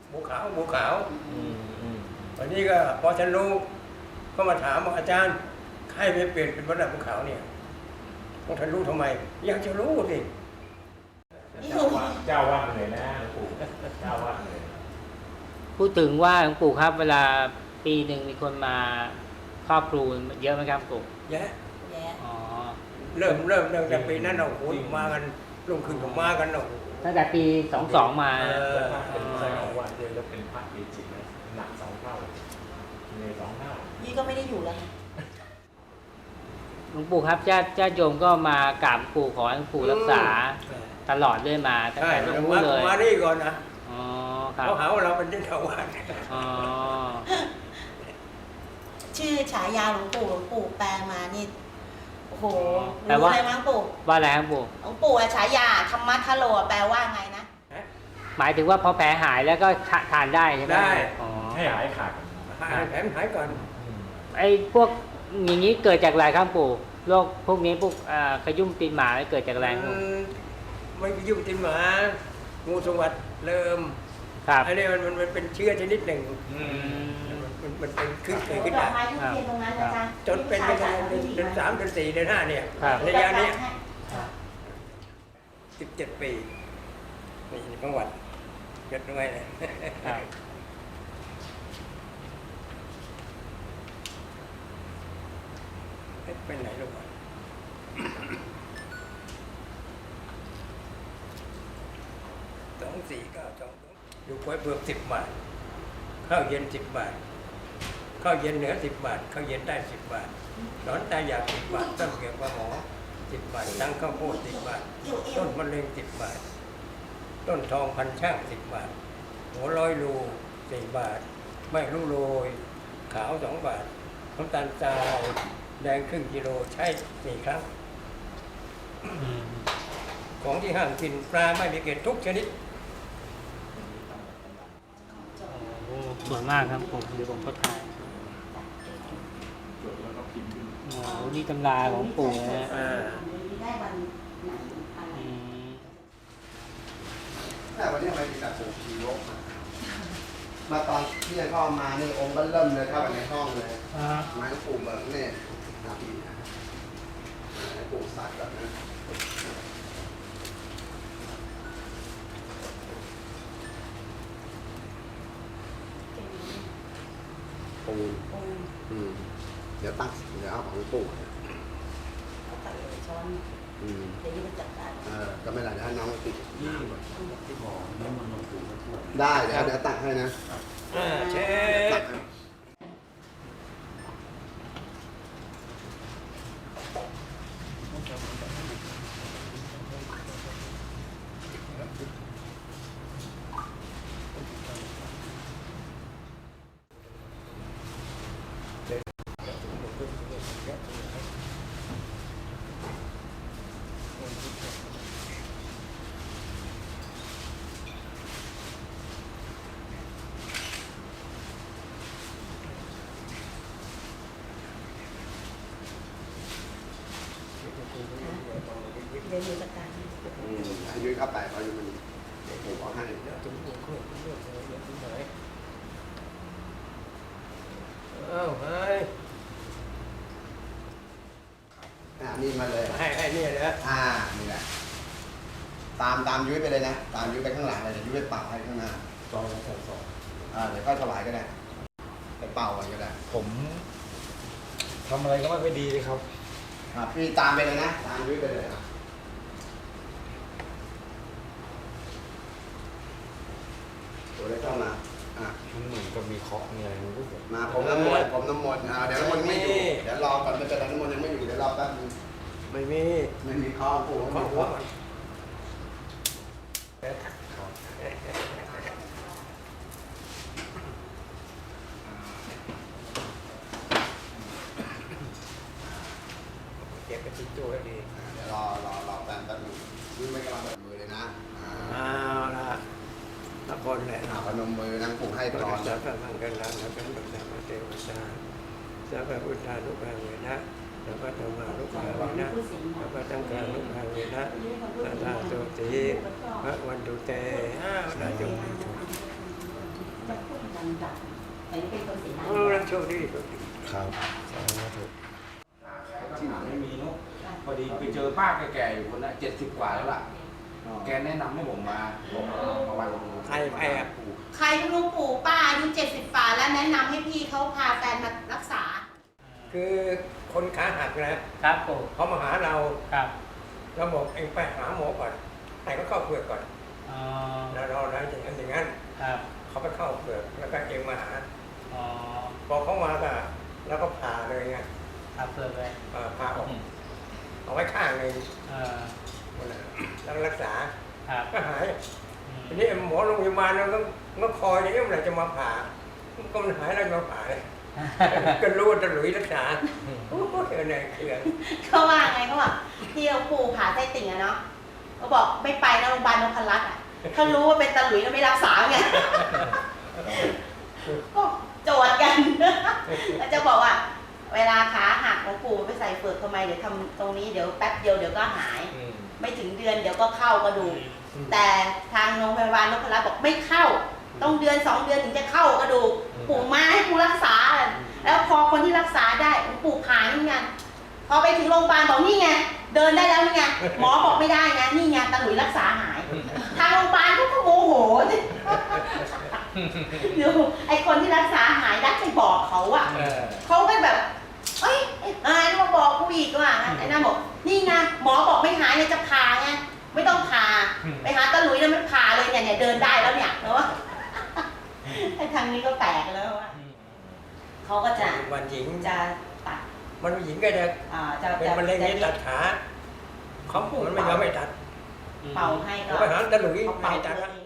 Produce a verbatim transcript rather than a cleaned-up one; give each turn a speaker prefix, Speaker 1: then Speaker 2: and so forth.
Speaker 1: บัวขาวบัวขาววันนี้ก็พอฉันรู้ก็มาถามว่าอาจารย์ใครไปเปลี่ยนเป็นวัดหน้าบัวขาวเนี่ยพวกท่านรู้ทำไมอยากจะรู้สิ
Speaker 2: เจ้าวัดเจ้าวัดเลยนะหลวงปู่เจ้าวัดเลย
Speaker 3: พูดถึงว่าหลวงปู่ครับเวลาปีหนึ่งมีคนมาครอบครูเยอะไหมครับปู่
Speaker 1: เยอะ
Speaker 3: อ๋อ
Speaker 1: เริ่มเริ่มเริ่มจากปีนั้นเราโอ้ยมากันลงขึ้นกับมากันเนาะ
Speaker 3: ตั้งแต่ปีสองสองมา
Speaker 2: เป็นพระวัดเลยแล้วเป็นพระจริงๆนะหนักสองเท่าเลยสองเท่า
Speaker 4: นี่ก็ไม่ได้อยู่แล้ว
Speaker 3: หลวงปู่ครับญาติญาติโยมก็มากราบปู่ขอให้หลวงปู่รักษาตลอดเรื่อยมาตั้งแต่รู้เลย
Speaker 1: มานี่ก่อนนะ
Speaker 3: อ๋อครับ
Speaker 1: เขาหาว่าเราเป็นเจ้าชาวบ้าน
Speaker 3: อ๋อ
Speaker 4: ชื่อฉายาหลวงปู่หลวงปู่แปลมานี่โอ้โห
Speaker 3: แปลว่า
Speaker 4: อะไรมั้งปู่
Speaker 3: ว่าอะไรครับปู่
Speaker 4: หลวงปู่ฉายาธรรมะทะโลแปลว่าไงนะ
Speaker 3: หมายถึงว่าพอแผลหายแล้วก็ทานได้ใช่ไหม
Speaker 1: ได้
Speaker 2: ให้หายขาด
Speaker 1: หายแผลหายก่อน
Speaker 3: ไอ้พวกอย่างนี้เกิดจากอะไรครับปู่โรคพวกนี้พวกขยุ่มตีนหมาเกิดจากอะไร
Speaker 1: ไม่ขยุ่มตีนหมางูสวัสดิ์เริ่มอันนี้มันมันเป็นเชื้อชนิดหนึ่งมันมันเป็นขึ้นขึ้นได้จนเป็นไปเดือนสามเดือนสี่เดือนห้าเนี่ยระยะนี้สิบเจ็ดปีนี่ประวัติเกิดด้วยเลยเป็นไหนลูกสองสี่เก้าสองอยู่กล้วยเผือกสิบบาทข้าวเย็นสิบบาทข้าวเย็นเหนือสิบบาทข้าวเย็นได้สิบบาทหนอนตายาสิบบาทต้นเกี่ยวกับหมอสิบบาทตั้งข้าวโพดสิบบาทต้นมะเร็งสิบบาทต้นทองพันช่างสิบบาทหัวร้อยรูสี่บาทไม่รู้โรยขาวสองบาทน้ำตาลทรายแดงครึ่งกิโลใช้สี่ครั้งของที่ห้ามกินปลาไม่มีเกล็ดทุกชนิด
Speaker 3: สวยมากครับผมเดี๋ยวผมก็ถ่ายโอ้โหนี่ตำราของปู่นะ
Speaker 5: แต่วันนี้ทำไมมีแต่ปู่ชีโร่มาตอนที่ยังเข้ามานี่องค์ก็เริ่มเลยเข้าไปในห้องเลยไม้ปู่เบิกเนี่ยนาทีนะไม้ปู่ซัดแบบนั้นปูนอืมเดี๋ยวตั้งเดี๋ยวเอาของปู่
Speaker 4: เขาตัดเลยช้อนอืมเดี๋ยวนี้มันจัดการ
Speaker 5: เออก็ไม่ได้ถ้าน้องติด
Speaker 2: ยี่ที่หมอน้ำมันหลวงปู่
Speaker 5: ได้เดี๋ยวเดี๋ยวตักให้นะ
Speaker 1: อ่าเช็ค
Speaker 4: เดี๋ยวอยู่จัดการ
Speaker 5: ให้ยุ้ยเข้าไปเขาอยู่มันผมเอาให้
Speaker 1: เดี๋ยวถึงหัวเครื่องเรื่องอะไรอย่างนี้ไหนเอ้าให้
Speaker 5: อ่านี่มาเลย
Speaker 1: ให้ให้นี่เลย
Speaker 5: อ่านี่แหละตามตามยุ้ยไปเลยนะตามยุ้ยไปข้างหลังเลยเดี๋ยวยุ้ยไปเป่าให้ข้างหน้า
Speaker 2: สองสองสอง
Speaker 5: อ่าเดี๋ยวค่อยถวายก็ได้ไปเป่าก็ได้
Speaker 2: ผมทำอะไรก็ไม่ค่อยดีเลยครับ
Speaker 5: อ่าพี่ตามไปเลยนะตามยุ้ยไปเลยอ่ะตัวได้เข้ามาอ่ะ
Speaker 2: มันเหมือนกับมีเคาะมีอะไรมันก็แบบ
Speaker 5: มาผมน้ำมนต์ผมน้ำมนต์อ่าเดี๋ยวน้ำมนต์ไม่อยู่เดี๋ยวรอก่อนมันจะน้ำมนต์ยังไม่อยู่เดี๋ยวรอแป๊บนึง
Speaker 1: ไม่มี
Speaker 5: ไม่มีข้าวปู่
Speaker 1: ข้าวหัวเก็บไปติดตัวให้ดี
Speaker 5: เดี๋ยวรอรอรอแป๊บแป๊บนึงยืมไม่กำลังเปิดมือเลยนะ
Speaker 1: อ้าวละละคนแหละ
Speaker 5: พนมมือนั่งปู่ให้พร
Speaker 1: สัพพะมังคลังสัพพะพุทธาเทวตาสัพพะพุทธานุภาเวนะสัพพะธรรมานุภาเวนะสัพพะสังฆานุภาเวนะสัทธาโสติพระวันตุเตอ้าวละจง
Speaker 4: ดับแต่นี่เป็นคนเสียงดัง
Speaker 1: เออโชคดีโชคดี
Speaker 5: ครับ
Speaker 2: ที่ไหนไม่มีเนาะพอดีไปเจอป้าแก่ๆอยู่คนละเจ็ดสิบกว่าแล้วล่ะ แกแนะนำให้ผมมาบอกมาวัน
Speaker 1: ใครใครอ่ะ
Speaker 4: ใครหลวงปู่ป้าอายุเจ็ดสิบฝ่าแล้วแนะนำให้พี่เขาพาแฟนมารักษา
Speaker 1: คือคนขาหักนะครับ
Speaker 3: ปู่
Speaker 1: เขามาหาเรา
Speaker 3: ครับ
Speaker 1: เราบอกเองไปหาหมอก่อนให้เขาเข้าเปลือกก่อน
Speaker 3: อ๋อ
Speaker 1: แล้วเราได้อย่างนั้นอย่างนั้น
Speaker 3: ครับ
Speaker 1: เขาไปเข้าเปลือกแล้วก็เองมาหา
Speaker 3: อ๋อ
Speaker 1: พอเขามาก็แล้วก็ผ่าเลยไง
Speaker 3: ครับเปิดเลย
Speaker 1: เอ่อผ่าออกเอาไว้ข้างหนึ่ง
Speaker 3: เออ
Speaker 1: แล้วก็รักษา
Speaker 3: ครับ
Speaker 1: ก็หาย
Speaker 3: อืม
Speaker 1: ทีนี้หมอโรงพยาบาลเราก็ก็คอยอย่างนี้เมื่อไหร่จะมาผ่าก็มันหายแล้วจะมาผ่าเลยก็รู้ว่าจะหลุยรักษาโอ้โหเออเนี่ยเขื่อน
Speaker 4: เขาว่าไงเขาบอกที่หลวงปู่ผ่าไส้ติ่งอะเนาะเขาบอกไม่ไปนะโรงพยาบาลนพรัตน์อะเขารู้ว่าเป็นตาหลุยแล้วไม่รักษาไงก็โจทย์กันแล้วจะบอกว่า เวลาขาหักหลวงปู่ไปใส่เปลือกทำไมเดี๋ยวทำตรงนี้เดี๋ยวแป๊บเดียวเดี๋ยวก็หาย
Speaker 2: อืม
Speaker 4: ไม่ถึงเดือนเดี๋ยวก็เข้ากระดูกแต่ทางโรงพยาบาลนพรัตน์บอกไม่เข้า ต้องเดือนสองเดือนถึงจะเข้ากระดูกปู่มาให้กูรักษา แล้วพอคนที่รักษาได้หลวงปู่ผ่านี่ไงพอไปถึงโรงพยาบาลบอกนี่ไงเดินได้แล้วนี่ไงหมอบอกไม่ได้ไงนี่ไงตาหลุยรักษาหาย ทางโรงพยาบาลเขาก็โมโหดูไอคนที่รักษาหายดักไปบอกเขาอะ
Speaker 2: เออ
Speaker 4: เขาก็แบบเอ้ยไอ้นายมาบอกกูอีกว่าไอ้นั่นบอกนี่ไงหมอบอกไม่หายเนี่ยจะผ่าไงไม่ต้องผ่าไปหาตาหลุยแล้วไม่ผ่าเลยเนี่ยเนี่ยเดินได้แล้วเนี่ยเนาะไอ้ทางนี้ก็แปลกแล้วว่าเขาก็จะ
Speaker 1: วันหญิง
Speaker 4: จะตัด
Speaker 1: มันหญิงก็จะ
Speaker 4: อ่าจะ
Speaker 1: เป็น
Speaker 4: จะ
Speaker 1: มะเร็ง
Speaker 4: จะ
Speaker 1: นี่ตัดขาเขามันไม่ยอมไม่ตัด
Speaker 4: เป่าให้ก็
Speaker 1: เขาไปหาตะหลุย
Speaker 4: เขา
Speaker 1: ไม่
Speaker 4: เป่า
Speaker 1: ให้ตัด
Speaker 4: เลย